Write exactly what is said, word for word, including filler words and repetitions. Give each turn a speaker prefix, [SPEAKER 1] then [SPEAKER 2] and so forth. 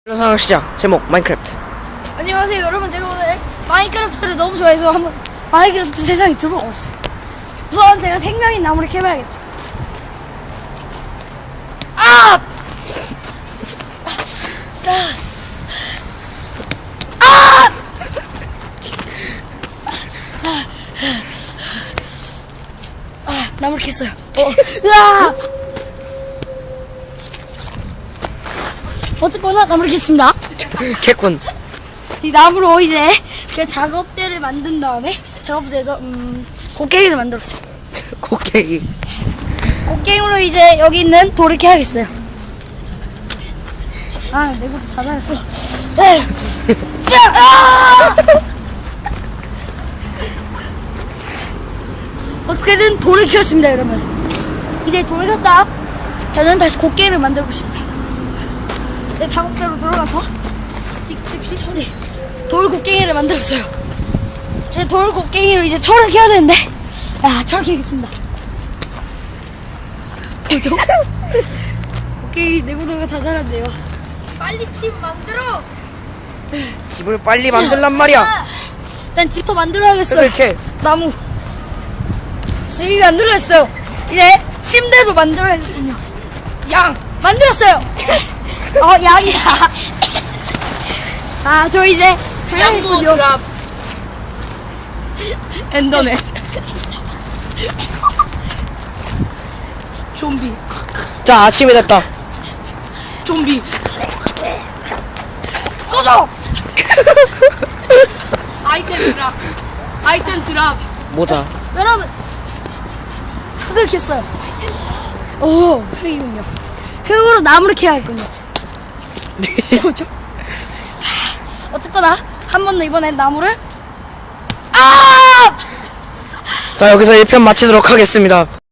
[SPEAKER 1] 영상을 시작. 제목 마인크래프트.
[SPEAKER 2] 안녕하세요 여러분, 제가 오늘 마인크래프트를 너무 좋아해서 한번 마인크래프트 세상에 들어왔어요. 우선 제가 생명인 나무를 캐봐야겠죠. 아! 아! 아, 나무를 캤어요. 어. 으아! 어쨌거나 나무를 캤습니다.
[SPEAKER 1] 개꾼.
[SPEAKER 2] 이 나무로 이제 그 작업대를 만든 다음에 작업대에서 음 곡괭이를 만들었어요.
[SPEAKER 1] 곡괭이.
[SPEAKER 2] 곡괭이로 이제 여기 있는 돌을 캐야겠어요. 아, 내 것도 다 달았어. 에, 자, 아! 어떻게든 돌을 키웠습니다, 여러분. 이제 돌을 켰다. 저는 다시 곡괭이를 만들고 싶다. 제 작업대로 들어가서 띡띡띡 처리. 돌 곡괭이를 만들었어요. 이제 돌 곡괭이로 이제 철을 켜야 되는데, 야, 철 켜겠습니다. 보죠? 곡괭이 내구도가 다 자랐네요. 빨리 집 만들어.
[SPEAKER 1] 집을 빨리 만들란 말이야.
[SPEAKER 2] 일단 집도 만들어야겠어요.
[SPEAKER 1] 이렇게.
[SPEAKER 2] 나무. 집이 만들어졌어요. 이제 침대도 만들어야겠군요. 양 만들었어요. 어, 양이다. 아, 저 이제
[SPEAKER 3] 양모 드랍 엔더맨 좀비
[SPEAKER 1] 자, 아침이 됐다.
[SPEAKER 3] 좀비
[SPEAKER 2] 꺼져.
[SPEAKER 3] 아이템 드랍 아이템 드랍
[SPEAKER 1] 모자.
[SPEAKER 2] 여러분, 흙을 캤어요. 오, 흙이군요. 흙으로 나무를 캐야겠군요. 뭐죠? 어쨌거나 한 번 더 이번엔 나무를 아!
[SPEAKER 1] 자, 여기서 일 편 마치도록 하겠습니다.